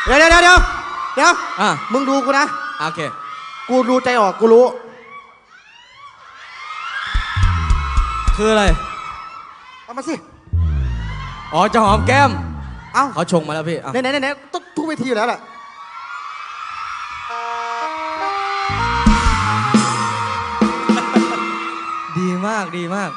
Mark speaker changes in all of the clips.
Speaker 1: เดี๋ยวมึงดูกูนะ
Speaker 2: โอเค
Speaker 1: กูดูใจออกกูรู้
Speaker 2: คืออะไร
Speaker 1: เอามาสิ
Speaker 2: อ๋อจะหอมแก้ม
Speaker 1: เอ้า
Speaker 2: เขาชงมาแล้วพี่
Speaker 1: ไหนต้องทุกเวทีอยู่แล้วแหละ
Speaker 2: ดีมากดีมาก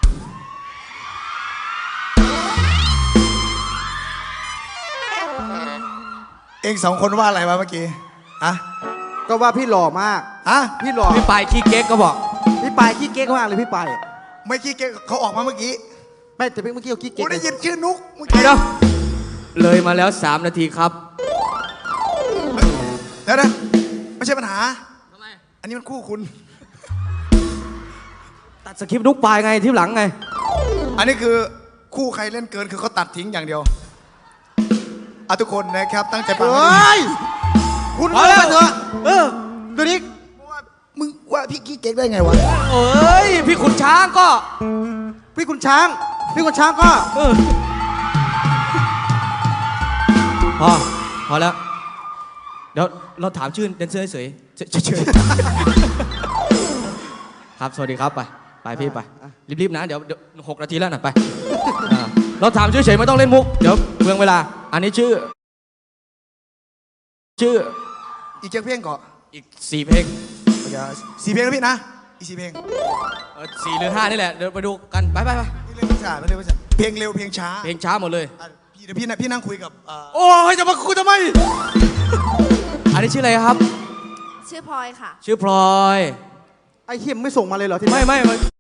Speaker 3: เองสองคนว่าอะไรวะเมื่อกี้อะ
Speaker 1: ก็ว่าพี่หล่อมากพี่หล่อ
Speaker 2: พี่ปายขี้เก๊กก็บอก
Speaker 1: พี่ปายขี้เก๊กมากเลยพี่ปาย
Speaker 3: ไม่ขี้เก๊กเขาออกมาเมื่อกี้
Speaker 1: ไม่แต่เมื่อกี้เขาขี้เก๊ก
Speaker 3: กูได้ยินชื่อนุ๊กเมื่อ
Speaker 2: กี้เดี๋ยวเลยมาแล้ว3 นาทีครับ
Speaker 3: เดี๋ยวนะไม่ใช่ปัญหาทำไมอันนี้มันคู่คุณ
Speaker 2: ตัดสคริปต์นุ๊กปายไงที่หลังไง
Speaker 3: อันนี้คือคู่ใครเล่นเกินคือเขาตัดทิ้งอย่างเดียวทุกคนนะครับตั้งใจฟัง
Speaker 1: คุณมาเถอะตัวนี้
Speaker 3: มึงว่าพี่ขี้เก๊กได้ไงวะ
Speaker 2: เอ้ยพี่ขุนช้างก็
Speaker 1: พี่ขุนช้างก็
Speaker 2: พอแล้วเดี๋ยวเราถามชื่อแดนเซอร์เฉยครับสวัสดีครับไปพี่ไปรีบๆนะเดี๋ยว6 นาทีแล้วนะไปเราถามชื่อเฉยไม่ต้องเล่นมุกเดี๋ยวเมืองเวลาอันนี้ชื่อ
Speaker 3: อีกเจ็ดเพลงก่อน
Speaker 2: อีก4 เพลง
Speaker 3: 4 เพลงนะพี่นะอีก4 เพลง
Speaker 2: 4 หรือ 5นี่แหละเดี๋ยวไปดูกันไป
Speaker 3: เร็วช้าเพลงเร็วเพลงช้า
Speaker 2: หมดเลย
Speaker 3: เดี๋ยวพี่นั่งคุยกับ
Speaker 2: โอ้ยจะมาคุยทำไมอันนี้ชื่ออะไรครับ
Speaker 4: ชื่อพลอยค่ะ
Speaker 2: ชื่อพลอย
Speaker 1: ไอ้เหี้ยไม่ส่งมาเลยเหรอที่
Speaker 2: ไม่